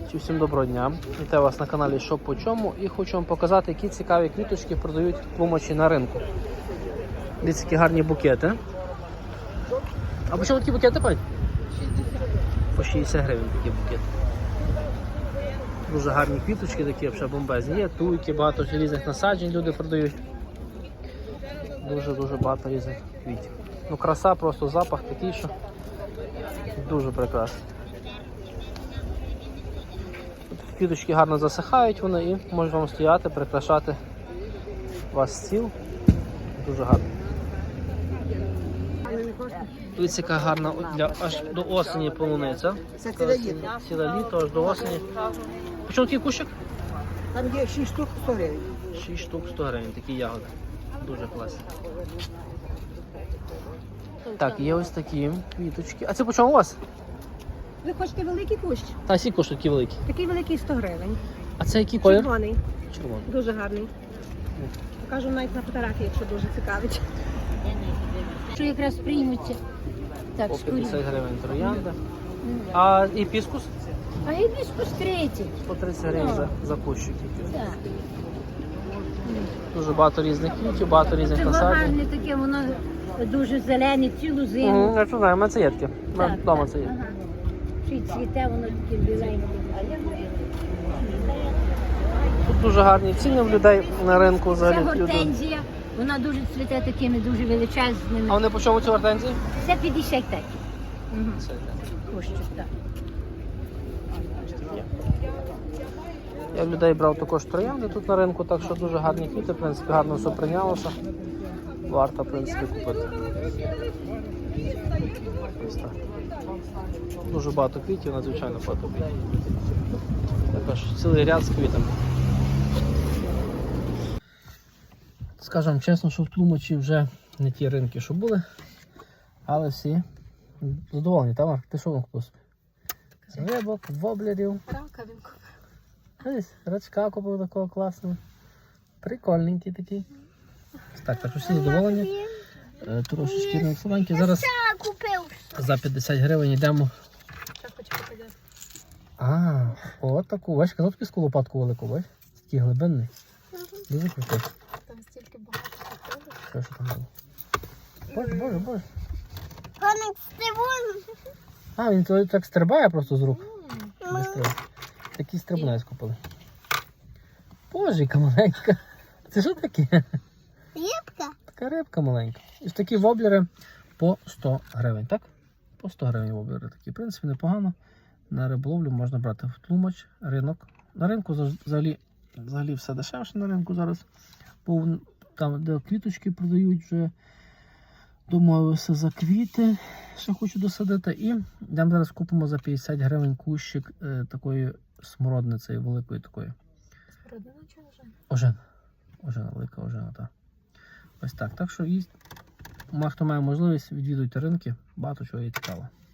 Всім доброго дня! Вітаю вас на каналі Що по чому і хочу вам показати, які цікаві квіточки продають тлумачі на ринку. Дивіться, які гарні букети. А по чому такі букети, пань? 60. По 60 гривень такі букети. Дуже гарні квіточки такі, взагалі бомбезні. Є туйки, багато різних насаджень люди продають. Дуже багато різних квітів. Ну краса, просто запах такий, що дуже прекрасний. Квіточки гарно засихають вони і можуть вам стояти, прикрашати ваш стіл. Дуже гарно. Дивіться, яка гарна аж до осені полуниця. Це ціле літо. Ціле літо, аж до осені. Почому такий кущик? Там є 6 штук 100 гривень. 6 штук 100 гривень, такі ягоди. Дуже класні. Так, є ось такі квіточки. А це по чому у вас? Ви хочете великий кущ? Та всі коштують такі великі. Такий великий 100 гривень. А це який колір? Червоний. Червоний. Дуже гарний. Покажу навіть на фотографії, якщо дуже цікавить. Що якраз приймуться. Так, По шкурі. 50 гривень троянда. А гібіскус? А гібіскус 30. По 30 гривень за кущик. Так. Дуже багато різних квітів, багато різних Це насаджень. гарне таке, воно дуже зелене, цілу зиму. Я знаю, у мене це є таке. Так, Вдома так, це є. ага. Ще й цвіте, воно таке біленьке. Тут дуже гарні ціни в людей на ринку Це взагалі. гортензія, вона дуже цвіте такими дуже величезними. А вони по чому ці гортензії? Це 50 так. Це Кущик, так. я в людей брав також троянди тут на ринку, так що дуже гарні квіти, в принципі, гарно все прийнялося. Варто, в принципі, купити. Ось так. Дуже багато квітів, надзвичайно багато квітів. Також цілий ряд з квітами. Скажемо чесно, що в Тлумачі вже не ті ринки, що були, але всі задоволені, Тамар? Ти що вам купив собі? Рибок, воблерів. Ось, рачка купив такого класного. Прикольненький такий. Так що всі задоволені. Трошечки слабенький. Зараз за 50 гривень йдемо. От таку. Бачиш, казав тобі лопатку велику, бачиш? Такий глибинний. Дуже крутий. Там стільки багато. Що там було? Боже. Коник стрибун. Він так стрибає просто з рук. Такий стрибунець купили. Боже, яка маленька. Це що таке? Рибка. Така рибка маленька. І такі воблери по 100 гривень, так? По 100 гривень воблери такі. В принципі, непогано. На риболовлю можна брати в Тлумач, ринок. На ринку взагалі все дешевше на ринку зараз. Там, де квіточки продають, вже домовився за квіти. Ще хочу досадити. І йдемо зараз купимо за 50 гривень кущик такої смородниці, великої такої. Смородина чи ожина? Ожина, велика ожина, так. Ось так. Так що хто має можливість, відвідуйте ринки, багато чого є цікаво.